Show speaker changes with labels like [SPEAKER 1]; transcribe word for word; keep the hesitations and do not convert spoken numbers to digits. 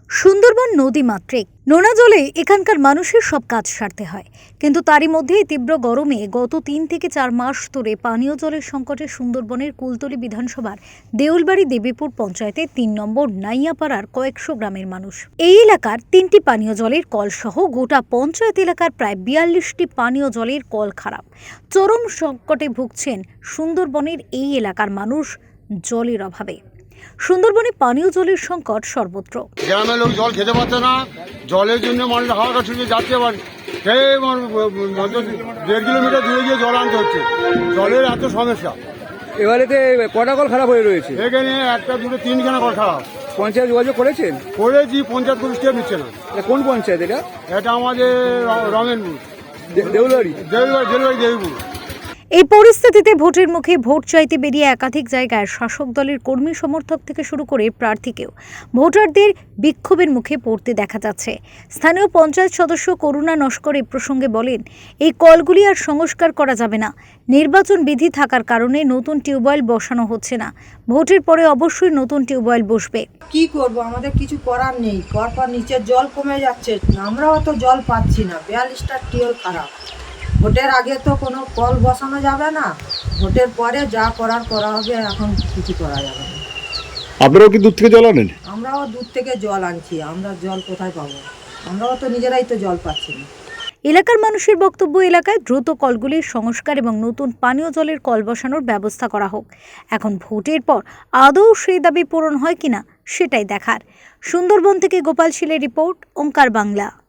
[SPEAKER 1] সুন্দরবন নদী মাতৃক নোনা জলে এখানকার মানুষের সব কাজ সারতে হয়, কিন্তু তারই মধ্যে তীব্র গরমে গত তিন থেকে চার মাস ধরে পানীয় জলের সংকটে সুন্দরবনের কুলতলি বিধানসভার দেউলবাড়ি দেবীপুর পঞ্চায়েতের তিন নম্বর নাইয়াপাড়ার কয়েকশো গ্রামের মানুষ। এই এলাকার তিনটি পানীয় জলের কল সহ গোটা পঞ্চায়েত এলাকার প্রায় বিয়াল্লিশটি পানীয় জলের কল খারাপ। চরম সংকটে ভুগছেন সুন্দরবনের এই এলাকার মানুষ জলের অভাবে। সুন্দরবনে পানীয় জলের সংকট সর্বত্র।
[SPEAKER 2] গ্রামের লোক জল খেতে পারছে না, জলের জন্য মানুষ হাওড়া ছুটে যাচ্ছে, আবার দেড় কিলোমিটার দূরে গিয়ে জল আনতে হচ্ছে। জলের এত সমস্যা।
[SPEAKER 3] এবারেতে কটা কল খারাপ হয়ে রয়েছে?
[SPEAKER 2] এখানে একটা দুটো তিনখানা কল খারাপ।
[SPEAKER 3] পঞ্চায়েত যোগাযোগ করেছেন?
[SPEAKER 2] করেছি, পঞ্চায়েত কোনো স্টেপ নিচ্ছে না।
[SPEAKER 3] কোন পঞ্চায়েত এটা?
[SPEAKER 2] এটা আমাদের রমেনপুর,
[SPEAKER 3] দেউলবাড়ি
[SPEAKER 2] দেউলবাড়ি দেউলবাড়ি দেবীপুর।
[SPEAKER 1] এই পরিস্থিতিতে ভোটের মুখে ভোট চাইতে বেরিয়ে একাধিক জায়গায় শাসক দলের কর্মী সমর্থক থেকে শুরু করে প্রার্থীকেও ভোটারদের বিক্ষোভের মুখে পড়তে দেখা যাচ্ছে। স্থানীয় পঞ্চায়েত সদস্য করুণা নস্কর এই প্রসঙ্গে বলেন, এই কলগুলি আর সংস্কার করা যাবে না। নির্বাচন বিধি থাকার কারণে নতুন টিউবওয়েল বসানো হচ্ছে না। ভোটের পরে অবশ্যই নতুন টিউবওয়েল বসবে।
[SPEAKER 4] কি করব, আমাদের কিছু করার নেই। পরপর নিচের জল কমে যাচ্ছে, আমরাও তো জল পাচ্ছি না। বিয়াল্লিশটা টিউবওয়েল খারাপ। ভোটের আগে তো কোনো কল বসানো যাবে না, ভোটের পরে যা করার করা হবে, এখন কিছু করা যাবে না।
[SPEAKER 3] আপনারাও কি দূর থেকে জল আনেন?
[SPEAKER 4] আমরাও দূর থেকে জল আনছি, আমরা জল কোথায় পাবো? আমরাও তো নিজেরাই তো জল পাচ্ছি না।
[SPEAKER 1] এলাকার মানুষের বক্তব্য, এলাকায় দ্রুত কলগুলির সংস্কার এবং নতুন পানীয় জলের কল বসানোর ব্যবস্থা করা হোক। এখন ভোটের পর আদৌ সেই দাবি পূরণ হয় কিনা সেটাই দেখার। সুন্দরবন থেকে গোপাল শীলের রিপোর্ট, ওঙ্কার বাংলা।